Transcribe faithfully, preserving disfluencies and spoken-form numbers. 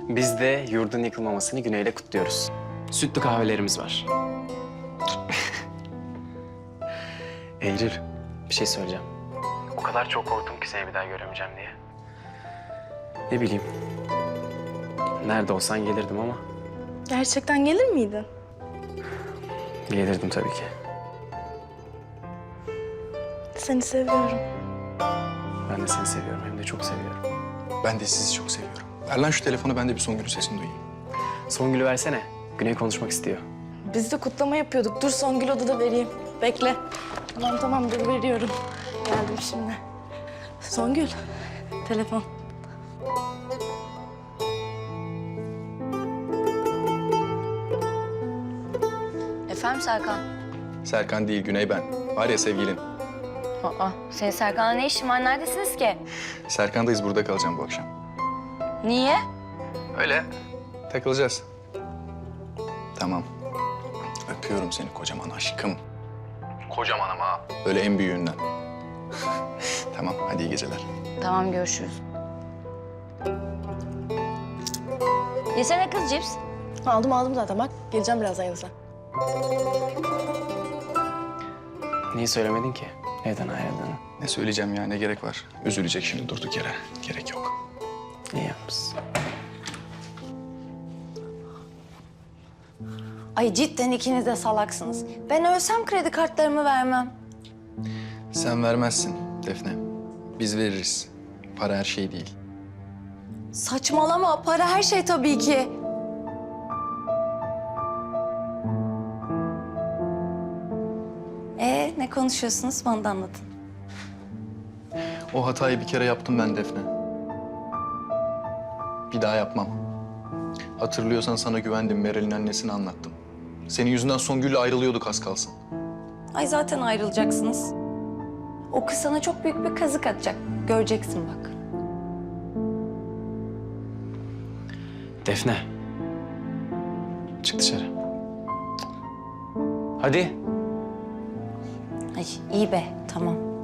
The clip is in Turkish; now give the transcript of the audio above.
Biz de yurdun yıkılmamasını Güney'le kutluyoruz. Sütlü kahvelerimiz var. Eylül, bir şey söyleyeceğim. O kadar çok korktum ki seni bir daha göremeyeceğim diye. Ne bileyim. Nerede olsan gelirdim ama Gerçekten gelir miydin? gelirdim tabii ki. Seni seviyorum. Ben de seni seviyorum, hem de çok seviyorum. Ben de sizi çok seviyorum. Ver lan şu telefonu, ben de bir Songül'ün sesini duyayım. Songül'ü versene. Güney konuşmak istiyor. Biz de kutlama yapıyorduk. Dur Songül odada vereyim. Bekle. Tamam tamam dur veriyorum. Geldim şimdi. Songül, telefon. Efendim Serkan? Serkan değil, Güney ben. Var ya sevgilin. Aa, senin Serkan'la ne işin var? Neredesiniz ki? Serkan'dayız, burada kalacağım bu akşam. Niye? Öyle. Takılacağız. Tamam. Öpüyorum seni kocaman aşkım. Kocaman ama. Böyle en büyüğünden. Tamam, hadi iyi geceler. Tamam, görüşürüz. Yesene kız cips. Aldım aldım zaten bak. Geleceğim birazdan yanınıza. Niye söylemedin ki evden ayrıldığını? Ne söyleyeceğim ya, ne gerek var? Üzülecek şimdi durduk yere. Gerek yok. İyi yapmışsın. Ay cidden ikiniz de salaksınız. Ben ölsem kredi kartlarımı vermem. Sen vermezsin Defne. Biz veririz. Para her şey değil. Saçmalama, para her şey tabii ki. Ee, ne konuşuyorsunuz? Bana da anlatın. O hatayı bir kere yaptım ben Defne. Bir daha yapmam. Hatırlıyorsan sana güvendim, Meral'in annesini anlattım. Senin yüzünden Songül'le ayrılıyorduk az kalsın. Ay zaten ayrılacaksınız. O kız sana çok büyük bir kazık atacak. Göreceksin bak. Defne. Çık dışarı. Hadi. Ay iyi be, tamam.